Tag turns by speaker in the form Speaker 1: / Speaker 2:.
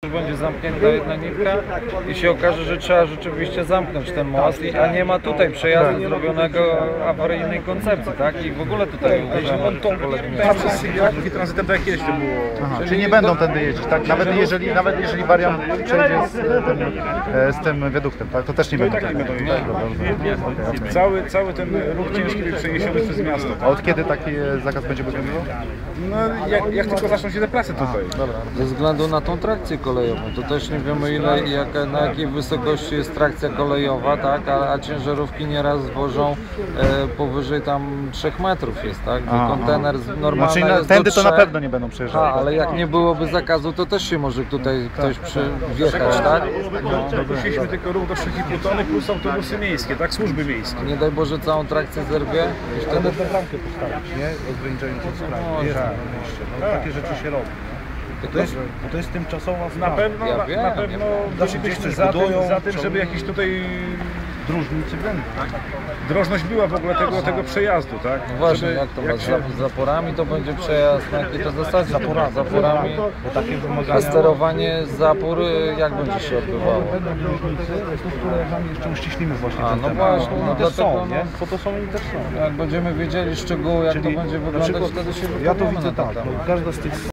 Speaker 1: Będzie zamknięta jedna nitka i się okaże, że trzeba rzeczywiście zamknąć ten most, a nie ma tutaj przejazdu zrobionego awaryjnej koncepcji, tak? I w ogóle tutaj uważamy, że
Speaker 2: Taki tranzytem tak jak kiedyś to było.
Speaker 3: Aha, czyli nie będą tędy jeździć, tak? Nawet jeżeli wariant przejdzie z tym wiaduktem, tak? To też nie będą.
Speaker 2: Tak nie będą jeździć. Cały ten ruch ciężki był przeniesiony przez miasto.
Speaker 3: A od kiedy taki zakaz będzie obowiązywał?
Speaker 2: No jak tylko zaczną się te prace tutaj.
Speaker 3: Dobra.
Speaker 1: ze względu na tą trakcję kolejową, to też nie wiemy na jakiej wysokości jest trakcja kolejowa, tak? A ciężarówki nieraz wożą powyżej tam 3 metrów jest, tak? Gdzie kontener normalny
Speaker 3: Znaczy
Speaker 1: jest
Speaker 3: tędy
Speaker 1: do
Speaker 3: to na
Speaker 1: 3.
Speaker 3: pewno nie będą przejeżdżali.
Speaker 1: Ale jak nie byłoby zakazu, to też się może tutaj ktoś wjechać, tak?
Speaker 2: Dopuściliśmy tylko ruch do 3,5 tony plus autobusy miejskie, tak? Służby miejskie.
Speaker 1: Nie daj Boże całą trakcję zerwie i wtedy...
Speaker 4: Nawet bramkę postawić, nie? Ograniczającą sprawę. Jest na mieście. No, takie rzeczy się robi. To jest tymczasowa sprawa.
Speaker 2: Na pewno
Speaker 4: Zawsze gdzieś coś
Speaker 2: za
Speaker 4: budują,
Speaker 2: tym, żeby jakiś tutaj
Speaker 4: Dróżnicy będą.
Speaker 2: drożność była w ogóle tego przejazdu, tak?
Speaker 1: No właśnie,
Speaker 2: Żeby,
Speaker 1: jak to ma z zaporami to będzie przejazd, na jakiej to zasadzie? Zaporami.
Speaker 4: Bo takie
Speaker 1: A
Speaker 4: wymagania...
Speaker 1: sterowanie zapór jak będzie się odbywało?
Speaker 4: Będą dróżnicy, tu z kolegami jeszcze uściślimy właśnie ten
Speaker 1: no
Speaker 4: temat.
Speaker 1: właśnie, no
Speaker 4: Oni też
Speaker 1: dlatego,
Speaker 4: są, nie? Po to są oni też są.
Speaker 1: Jak będziemy wiedzieli szczegóły, jak to
Speaker 4: Czyli
Speaker 1: będzie
Speaker 4: na
Speaker 1: wyglądać,
Speaker 4: przykład
Speaker 1: wtedy się
Speaker 4: ja to
Speaker 1: wypowiemy
Speaker 4: widzę
Speaker 1: na ten
Speaker 4: tak,
Speaker 1: temat.
Speaker 4: no, każda z tych